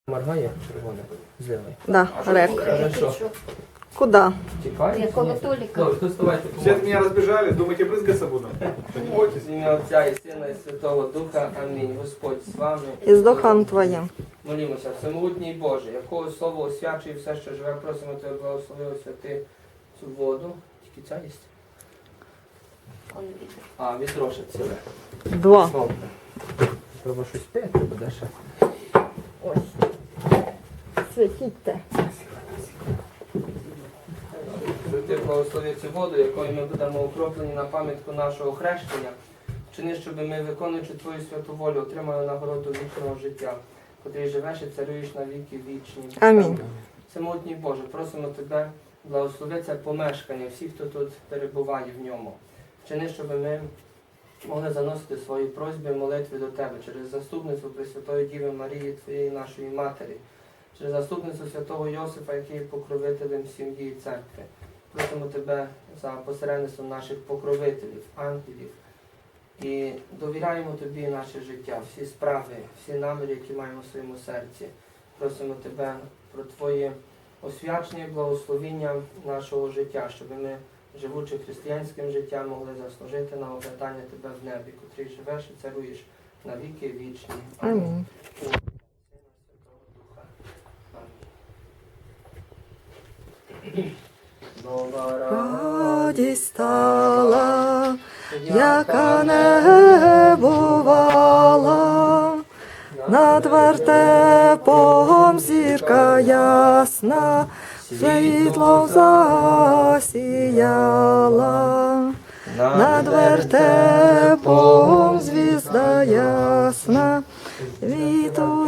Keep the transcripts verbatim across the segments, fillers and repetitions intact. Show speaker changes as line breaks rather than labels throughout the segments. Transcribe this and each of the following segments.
Моргає червоне, зливай.
Да, рек.
Хорошо.
Куда?
Тікай.
Якого Толіка?
Добре, то вставайте.
Все от меня разбежали, думаете, брызгаться буду?
Бойтесь, в ім'я Отця і Сина і Святого Духа. Амінь. Господь з вами.
І з духом твоїм.
Молімося. Всемогутній Боже, якого слово освячує все, що живе, просимо Тебе, благослови освяти цю воду. Тільки ця є?
Он вітер.
А, вітроше ціле.
Два.
Добре. Треба щось пити буде ще.
Ось. Святіть.
Ти благослови цю воду, якою ми будемо окроплені на пам'ятку нашого хрещення. Вчини, щоб ми, виконуючи Твою святу волю, отримали нагороду вічного життя, котрий живеш і царюєш на віки вічні.
Амінь.
Всемогутній Боже, просимо Тебе, благослови це помешкання, всіх, хто тут перебуває в ньому. Вчини, щоб ми могли заносити свої просьби і молитви до Тебе через заступництво Пресвятої Діви Марії, Твоєї нашої Матері, через заступництво святого Йосифа, який є покровителем сім'ї і церкви. Просимо Тебе за посередництвом наших покровителів, ангелів. І довіряємо Тобі наше життя, всі справи, всі наміри, які маємо в своєму серці. Просимо Тебе про Твоє освячення і благословіння нашого життя, щоб ми, живучи християнським життям, могли заслужити на обладнання Тебе в небі, котрий живеш і царуєш на віки вічні.
Амінь. Радість стала, яка не бувала, над вертепом зірка ясна, світлом засіяла, над вертепом звізда ясна, світу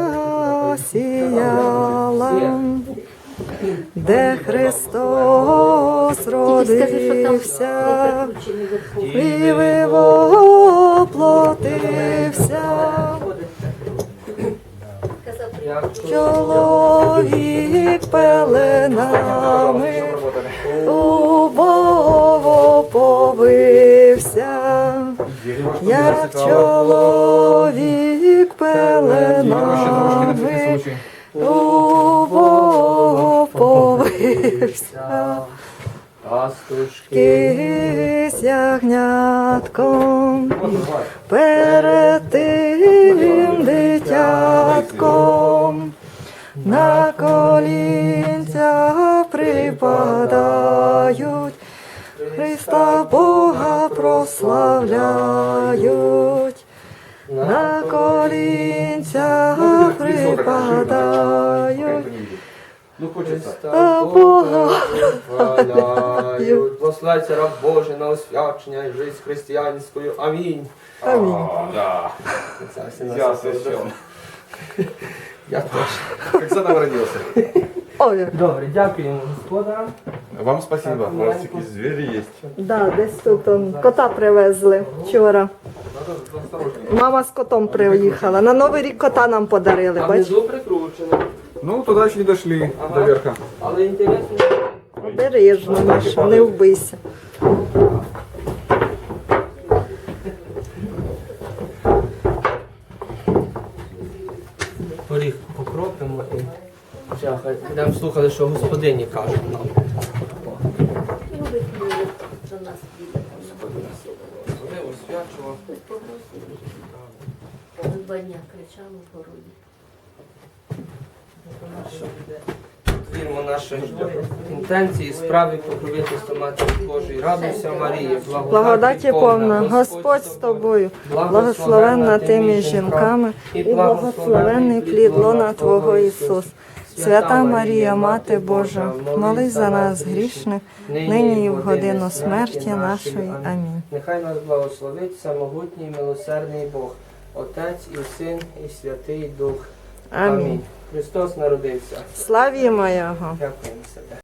засіяла. Де Христос родився, і воплотився, чоловік пеленами убово повився, як чоловік пеленами убово повився, пастушки з ягнятком, перед тим дитятком, на колінця припадають, Христа Бога прославляють, на колінця припадають,
Ну, хочеться Бога прославляють. Благословляється раб Божий на освячення і життя християнською. Амінь.
Амінь.
Да. Я освящен.
Я теж.
Как сам родился.
Ой,
Добре, дякуємо господарам.
Вам спасибо. У вас такие звери есть.
да, десь тут он, кота привезли вчора.
Надо осторожнее.
Мама з котом приїхала. На Новий рік кота нам подарили,
А
бач?
внизу прикручено.
Ну, туда еще не дошли,
Ага.
до верха.
Але інтересно.
Обережно, Міша, не вбийся.
Поріг покропимо і вже хай будемо слухати, що господині кажуть нам.
Любить люди до нас піде.
Вони освячував.
Два дня кричали в городі.
Віримо наші інтенції, справи, покровительства Матері Божої. Радуйся, Марія,
Благодаті повна, Господь з тобою, благословенна ти між жінками, і благословенний плід лона Твого Ісус. Свята Марія, Мати Божа, молись за нас грішних, нині і в годину смерті нашої. Амінь.
Нехай нас благословить самогутній, милосердний Бог, Отець і Син, і Святий Дух.
Амінь.
Христос народився.
Славімо Його!
Дякуємо себе.